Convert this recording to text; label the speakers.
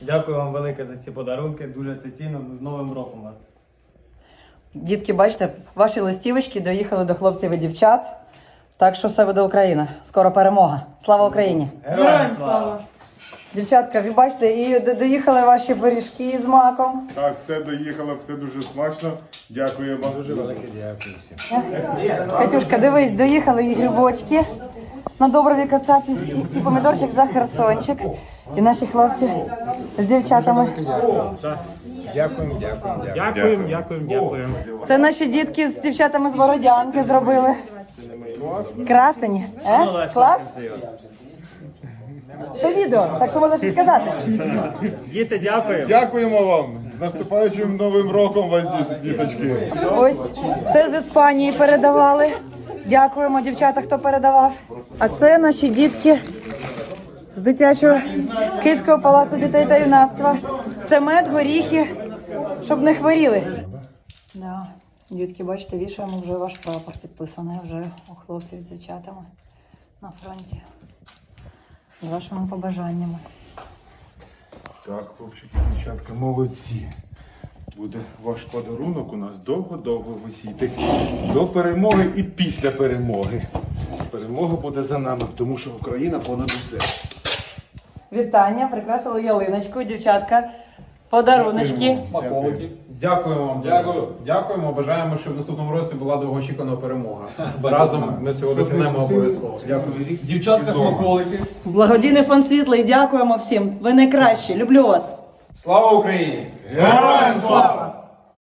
Speaker 1: Дякую вам велике за ці подарунки, дуже це цінно. З Новим роком вас.
Speaker 2: Дітки, бачите, ваші листівочки доїхали до хлопців і дівчат. Так що все буде Україна. Скоро перемога. Слава Україні!
Speaker 1: Героям слава!
Speaker 2: Дівчатка, ви бачите, і доїхали ваші пиріжки з маком.
Speaker 3: Так, все доїхало, все дуже смачно. Дякую вам. Дуже велике дякую всім.
Speaker 2: Катюшка, дивись, доїхали і грибочки на Доброві Кацапі, і помідорчик за Херсончик. І наші хлопці з дівчатами.
Speaker 3: Дякуємо.
Speaker 2: Це наші дітки з дівчатами з Бородянки зробили. Красені. Клас? Це відео, так що можна щось сказати.
Speaker 1: Діти, дякую!
Speaker 3: Дякуємо вам. З наступаючим Новим роком вас, діточки.
Speaker 2: Ось, це з Іспанії передавали. Дякуємо, дівчата, хто передавав. А це наші дітки з дитячого Київського палацу дітей та юнацтва. Це мед, горіхи, щоб не хворіли. Да. Дітки, бачите, вішаємо вже ваш прапор підписаний вже у хлопців з дівчатами на фронті. З вашими побажаннями.
Speaker 3: Так, хлопчики, дівчатка, молодці. Буде ваш подарунок у нас довго-довго висіти. До перемоги і після перемоги. Перемога буде за нами, тому що Україна понад усе.
Speaker 2: Вітання, прикрасили ялиночку, дівчатка, подаруночки.
Speaker 4: Смаколики. Дякуємо вам. Дякуємо. Бажаємо, щоб в наступному році була довгоочікувана перемога. Разом ми цього досягнемо обов'язково. Дякую. Дівчатка, смаколики.
Speaker 2: Благодійний фонд Світлий, дякуємо всім. Ви найкращі, люблю вас.
Speaker 4: Слава Україні!
Speaker 3: Героям слава!